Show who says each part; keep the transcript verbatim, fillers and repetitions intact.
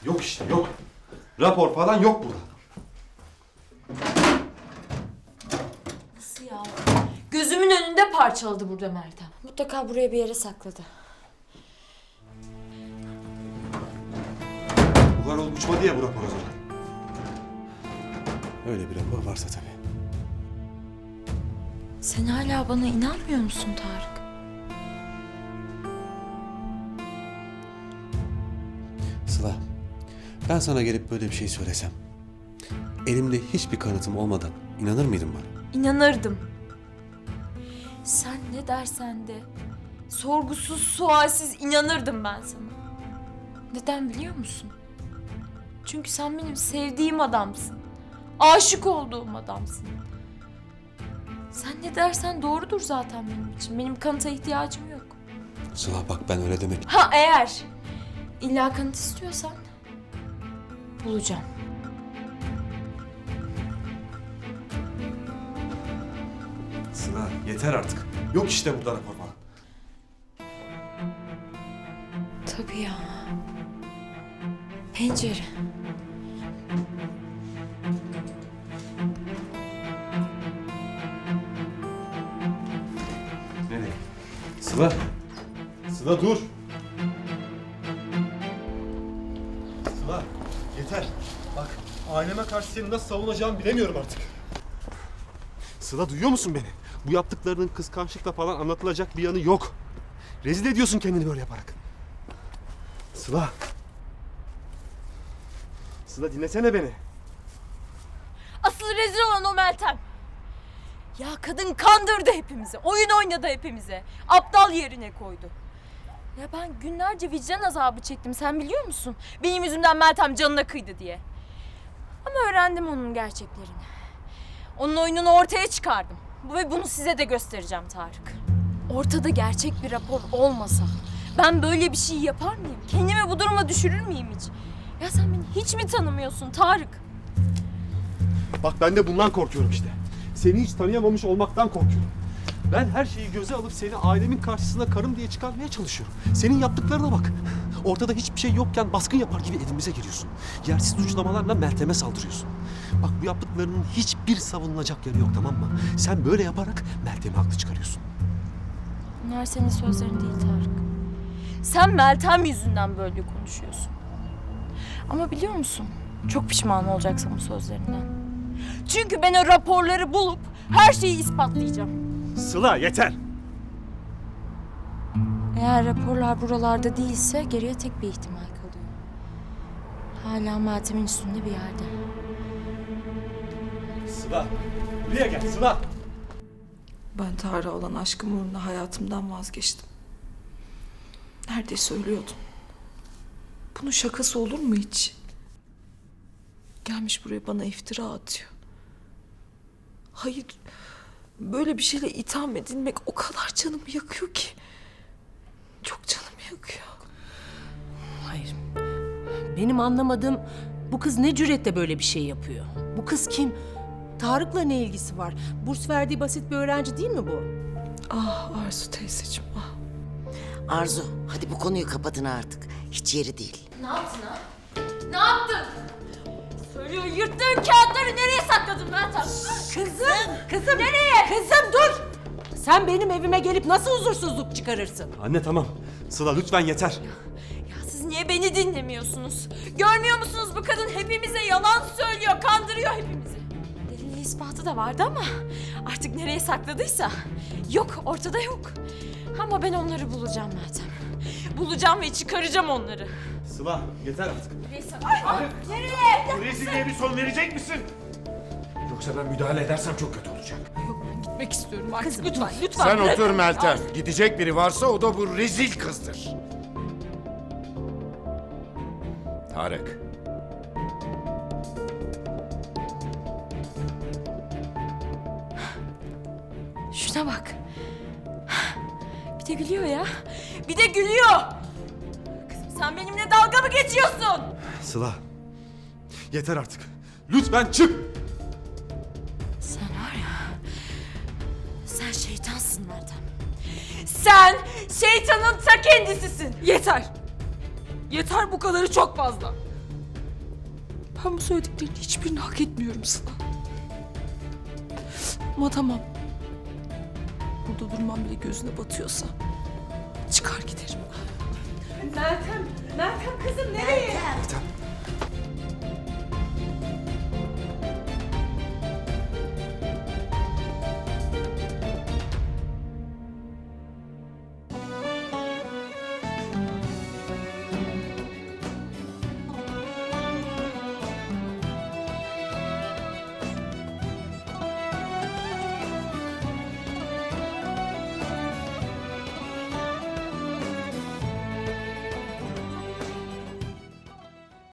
Speaker 1: Yok işte yok. Rapor falan yok burada.
Speaker 2: Nasıl ya? Gözümün önünde parçaladı burada Meltem. Mutlaka buraya bir yere sakladı.
Speaker 1: Buhar olup uçmadı ya bu rapor o zaman. Öyle bir rapor varsa tabii.
Speaker 2: Sen hala bana inanmıyor musun Tarık?
Speaker 1: Sıla, ben sana gelip böyle bir şey söylesem, elimde hiçbir kanıtım olmadan inanır mıydın bana?
Speaker 2: İnanırdım. Sen ne dersen de sorgusuz sualsiz inanırdım ben sana. Neden biliyor musun? Çünkü sen benim sevdiğim adamsın. Aşık olduğum adamsın. Sen ne dersen doğrudur zaten benim için. Benim kanıta ihtiyacım yok.
Speaker 1: Sıla bak ben öyle demek...
Speaker 2: Ha eğer illa kanıt istiyorsan bulacağım.
Speaker 1: Sıla yeter artık. Yok işte burada rapor falan.
Speaker 2: Tabii ya. Pencere.
Speaker 1: Nereye? Sıla. Sıla dur. Sıla yeter. Bak aileme karşı seni nasıl savunacağımı bilemiyorum artık. Sıla duyuyor musun beni? Bu yaptıklarının kıskançlıkla falan anlatılacak bir yanı yok. Rezil ediyorsun kendini böyle yaparak. Sıla. Sıla dinlesene beni.
Speaker 2: Asıl rezil olan o Meltem. Ya kadın kandırdı hepimizi. Oyun oynadı hepimize. Aptal yerine koydu. Ya ben günlerce vicdan azabı çektim. Sen biliyor musun? Benim yüzümden Meltem canına kıydı diye. Ama öğrendim onun gerçeklerini. Onun oyununu ortaya çıkardım. Bu ve bunu size de göstereceğim Tarık. Ortada gerçek bir rapor olmasa ben böyle bir şey yapar mıyım? Kendimi bu duruma düşürür müyüm hiç? Ya sen beni hiç mi tanımıyorsun Tarık?
Speaker 1: Bak ben de bundan korkuyorum işte. Seni hiç tanıyamamış olmaktan korkuyorum. Ben her şeyi göze alıp seni ailemin karşısına karım diye çıkarmaya çalışıyorum. Senin yaptıklarına bak. Ortada hiçbir şey yokken baskın yapar gibi evimize giriyorsun. Yersiz suçlamalarla Meltem'e saldırıyorsun. Bak bu yaptıklarının hiçbir savunulacak yanı yok, tamam mı? Sen böyle yaparak Meltem'i haklı çıkarıyorsun.
Speaker 2: Bunlar senin sözlerin değil Tarık. Sen Meltem yüzünden böyle konuşuyorsun. Ama biliyor musun? Çok pişman olacaksın bu sözlerinden. Çünkü ben o raporları bulup her şeyi ispatlayacağım.
Speaker 1: Sıla yeter!
Speaker 2: Eğer raporlar buralarda değilse geriye tek bir ihtimal kalıyor. Hala Meltem'in üstünde bir yerde.
Speaker 1: Sıla! Buraya gel Sıla!
Speaker 3: Ben Tarık'a olan aşkım uğruna hayatımdan vazgeçtim. Neredeyse ölüyordum. Bunun şakası olur mu hiç? Gelmiş buraya bana iftira atıyor. Hayır, böyle bir şeyle itham edilmek o kadar canımı yakıyor ki. Çok canımı yakıyor.
Speaker 4: Hayır. Benim anlamadığım bu kız ne cüretle böyle bir şey yapıyor? Bu kız kim? Tarık'la ne ilgisi var? Burs verdiği basit bir öğrenci değil mi bu?
Speaker 3: Ah Arzu teyzeciğim, ah.
Speaker 5: Arzu, hadi bu konuyu kapatın artık. Hiç yeri değil.
Speaker 2: Ne yaptın ha? Ne yaptın? Söylüyor, yırttığın kağıtları nereye sakladın Meltem?
Speaker 4: Kızım, kızım. Nereye? Kızım dur. Sen benim evime gelip nasıl huzursuzluk çıkarırsın?
Speaker 1: Anne tamam. Sıla lütfen yeter.
Speaker 2: Ya siz niye beni dinlemiyorsunuz? Görmüyor musunuz bu kadın hepimize yalan söylüyor, kandırıyor hepimizi. Delili ispatı da vardı ama artık nereye sakladıysa yok, ortada yok. Ama ben onları bulacağım Meltem. Bulacağım ve çıkaracağım onları.
Speaker 1: Sıla yeter artık.
Speaker 2: Neyse. Ay, nereye?
Speaker 6: Bu rezilliğe bir son verecek misin? Yoksa ben müdahale edersem çok kötü olacak.
Speaker 3: Gitmek istiyorum artık.
Speaker 2: Kızım lütfen, lütfen.
Speaker 6: Sen otur Meltem. Gidecek biri varsa o da bu rezil kızdır. Tarık.
Speaker 2: Şuna bak. Bir de gülüyor ya. Bir de gülüyor. Kızım sen benimle dalga mı geçiyorsun?
Speaker 1: Sıla yeter artık. Lütfen çık.
Speaker 2: Sen var ya. Sen şeytansın Meltem. Sen şeytanın ta kendisisin.
Speaker 3: Yeter. Yeter, bu kadarı çok fazla. Ben bu söylediklerinin hiçbirini hak etmiyorum sana. Ama tamam. Burada durmam bile gözüne batıyorsa çıkar giderim.
Speaker 4: Meltem, Meltem kızım nereye?
Speaker 1: Meltem.